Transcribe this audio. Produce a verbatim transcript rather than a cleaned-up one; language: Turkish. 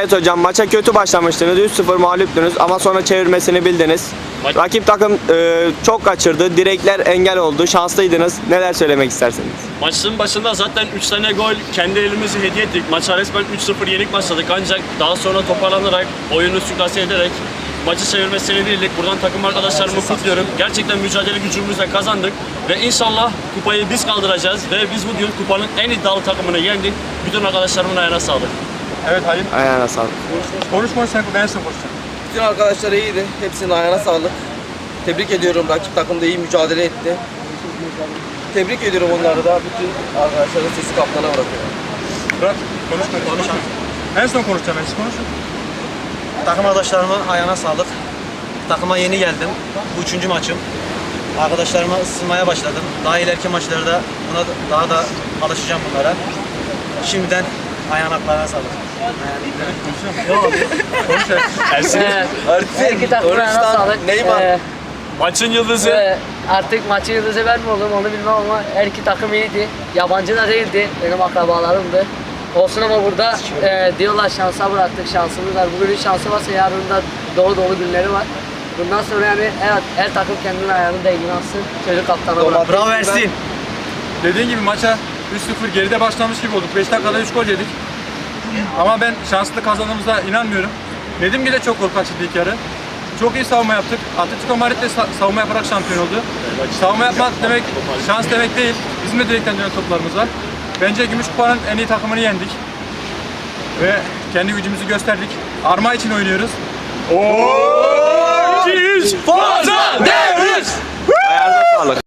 Evet hocam, maça kötü başlamıştınız. üç sıfır mağluptunuz ama sonra çevirmesini bildiniz. Maç... Rakip takım e, çok kaçırdı. Direkler engel oldu. Şanslıydınız. Neler söylemek istersiniz? Maçın başında zaten üç tane gol kendi elimizi hediye ettik. Maça resmen üç sıfır yenik başladık ancak daha sonra toparlanarak, oyunu süklase ederek maçı çevirmesini bildik. Buradan takım arkadaşlarımı kutluyorum. Gerçekten mücadele gücümüzle kazandık ve inşallah kupayı biz kaldıracağız ve biz bugün kupanın en iddialı takımını yendik. Bütün arkadaşlarımın ayağına sağlık. Evet Halim. Ayağına sağlık. Konuş konuş sen ben sen konuşacağım. Bütün arkadaşlar iyiydi. Hepsinin ayağına sağlık. Tebrik ediyorum. Rakip takım da iyi mücadele etti. Tebrik ediyorum onları da. Bütün arkadaşların sesi kaptana bırakıyorum. Bırak. Konuş konuş. Konuşalım. En son konuşacağım. En son konuş. Takım arkadaşlarıma ayağına sağlık. Takıma yeni geldim. Bu üçüncü maçım. Arkadaşlarıma ısınmaya başladım. Daha ileriki maçlarda buna da- daha da alışacağım bunlara. Şimdiden ayağına sağlık. Konuş evet. Ersin, Arif'in, İki takımına Oruç'tan sağlık. Neymar. Ee, maçın yıldızı. ve artık maçın yıldızı ben mi oldum onu bilmem ama her iki takım iyiydi. Yabancı da değildi. Benim akrabalarımdı. Olsun ama burada e, diyorlar şansa bıraktık, şansımız var. Bugünün şansı varsa yarın da dolu dolu günleri var. Bundan sonra yani her, her takım kendinin ayağını değdiğini alsın. Çocuk kaptana bırak. Bravo Ersin. Dediğin gibi maça üç sıfır geride başlamış gibi olduk. beş dakikada üç gol yedik. Ama ben şanslı kazandığımıza inanmıyorum. Nedim de çok gol kaçırdı ilk yarı. Çok iyi savunma yaptık. Atletico Madrid de sa- savunma yaparak şampiyon oldu. Savunma yapmak demek şans demek değil. Bizim de direkten dönen toplarımız var. Bence Gümüş Kupa'nın en iyi takımını yendik. Ve kendi gücümüzü gösterdik. Arma için oynuyoruz. Ayağınıza sağlık.